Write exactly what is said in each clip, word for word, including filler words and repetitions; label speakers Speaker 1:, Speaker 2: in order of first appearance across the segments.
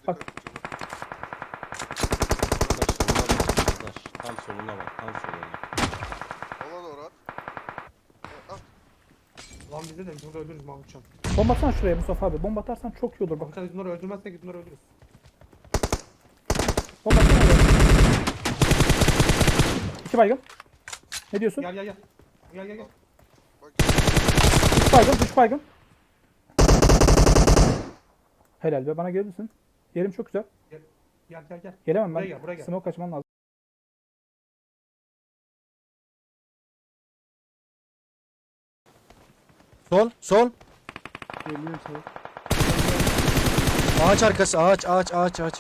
Speaker 1: Bak.
Speaker 2: Arkadaş, tam soluna bak, tam soluna.
Speaker 3: Ona doğru at. Evet, at.
Speaker 4: Lan bize de biz burada öldürürüz Mahmutcan.
Speaker 1: Bomba atsana şuraya Mustafa abi. Bomba atarsan çok iyi olur bak.
Speaker 4: Mahmutcan biz bunları öldürmezsek biz bunları öldürürüz.
Speaker 1: Bomba atsana oraya. İki baygın. Ne diyorsun?
Speaker 4: Gel gel gel. Gel gel gel.
Speaker 3: Bak.
Speaker 1: Üç baygın, üç baygın. Helal be, bana gelir misin? Yerim çok güzel.
Speaker 4: Gel gel gel. gel.
Speaker 1: Gelemem
Speaker 4: Buraya
Speaker 1: ben.
Speaker 4: gel, buraya gel.
Speaker 1: Smoke kaçmam lazım.
Speaker 5: Sol, sol.
Speaker 6: Geliyor sol.
Speaker 5: Ağaç arkası, ağaç, ağaç, ağaç, ağaç.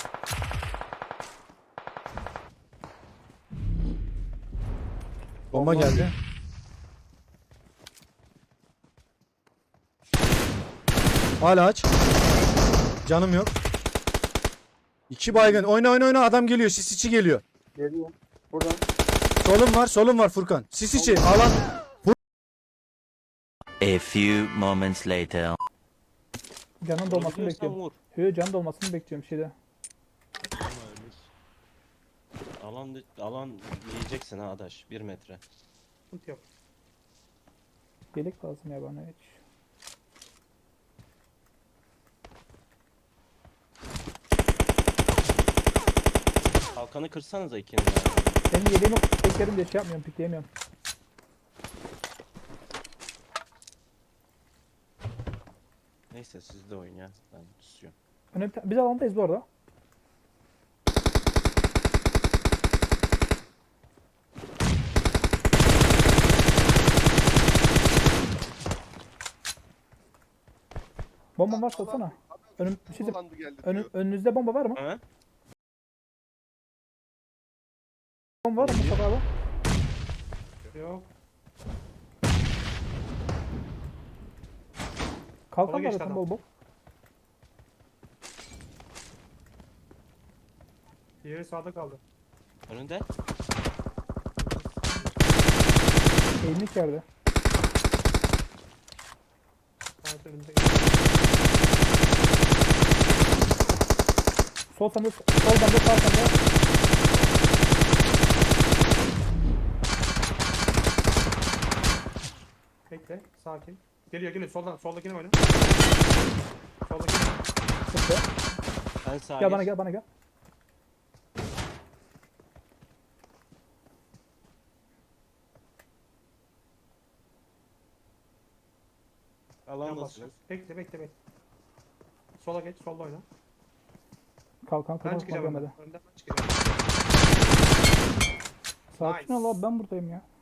Speaker 5: Bomba geldi. Hala aç. Canım yok. İki baygın. Oyna oyna oyna, adam geliyor. Sis içi geliyor.
Speaker 6: Geliyor. Buradan.
Speaker 5: Solum var, solum var Furkan. Sis içi. Alan.
Speaker 7: A few moments later.
Speaker 1: Canın dolmasını
Speaker 2: Vurabiliyorsan
Speaker 1: bekliyorum.
Speaker 2: vur.
Speaker 1: Yo, canın dolmasını bekliyorum şeyde.
Speaker 2: Alan, alan yiyeceksin ha adaş. Bir metre.
Speaker 4: Sıkıntı yok.
Speaker 1: Yelek lazım ya bana hiç.
Speaker 2: Kalkanı kırsanıza ikiniz de.
Speaker 1: Benim yeleğim yok. Beklerim diye şey yapmıyorum, pikleyemiyorum.
Speaker 2: Neyse siz de oyun ya. Ben tutuyorum.
Speaker 1: Önemli, biz alandayız bu arada. Bomba varsa atsana. Önüm, bir şey diyeyim.
Speaker 3: Kullandı geldi
Speaker 1: Önüm,
Speaker 3: diyor.
Speaker 1: önünüzde bomba var mı?
Speaker 2: Ha?
Speaker 1: Bomba var mı Mustafa abi?
Speaker 4: Yok.
Speaker 1: Kalkan
Speaker 4: Sola
Speaker 1: var
Speaker 4: geçti
Speaker 1: zaten
Speaker 4: adam.
Speaker 1: bol bol.
Speaker 4: Diğeri sağda kaldı.
Speaker 2: Önünde.
Speaker 1: Eğimlik yerde.
Speaker 4: Evet önümde.
Speaker 1: Sol sende, sol bende, sağ sende.
Speaker 4: Bekle. Sakin. Geliyor geliyor. Soldan. Soldakine oyna. Soldakine.
Speaker 1: Sıktı.
Speaker 2: Ben sağa
Speaker 1: Gel bana
Speaker 2: geç.
Speaker 1: gel bana gel.
Speaker 4: Yan
Speaker 2: Alandasınız.
Speaker 4: basacağız. Bekle bekle bekle. Sola geç. Solda oyna.
Speaker 1: Kalkan
Speaker 4: Ben
Speaker 1: kırmızı
Speaker 4: çıkacağım
Speaker 1: görmedi.
Speaker 4: önden. Önden ben çıkacağım.
Speaker 1: Sakin ol
Speaker 4: Nice.
Speaker 1: abi, ben buradayım ya.